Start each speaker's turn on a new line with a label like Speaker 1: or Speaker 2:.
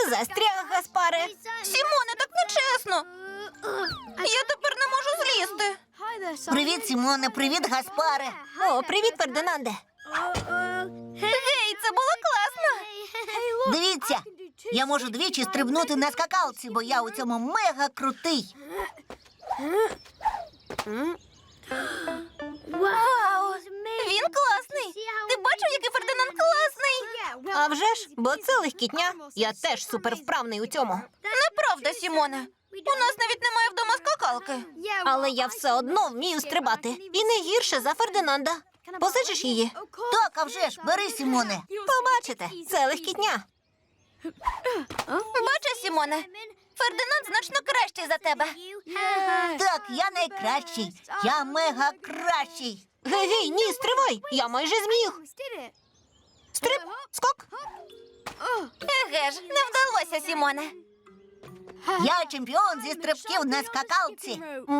Speaker 1: Застряг, Гаспаре.
Speaker 2: Сімоне, так нечесно. Я тепер не можу злізти.
Speaker 3: Привіт, Сімоне, привіт, Гаспаре.
Speaker 1: О, привіт, Фердинанде.
Speaker 2: Гей, це було класно.
Speaker 3: Дивіться, я можу двічі стрибнути на скакалці, бо я у цьому мега крутий.
Speaker 2: Вау, він класний. Ти бачив, який Фердинанд класний?
Speaker 1: А вже ж, бо це легкітня. Я теж супервправний у цьому.
Speaker 2: Неправда, Сімоне. У нас навіть немає вдома скакалки.
Speaker 1: Але я все одно вмію стрибати. І не гірше за Фердинанда. Позичиш її?
Speaker 3: Так, а вже ж, бери, Сімоне.
Speaker 1: Побачите, це легкітня.
Speaker 2: Бачиш, Сімоне, Фердинанд значно кращий за тебе.
Speaker 3: Так, я найкращий. Я мега кращий.
Speaker 1: Гей, ні, стривай. Я майже зміг. Стриб, скок.
Speaker 2: Еге ж, не вдалося, Сімоне.
Speaker 3: Я чемпіон зі стрибків на скакалці.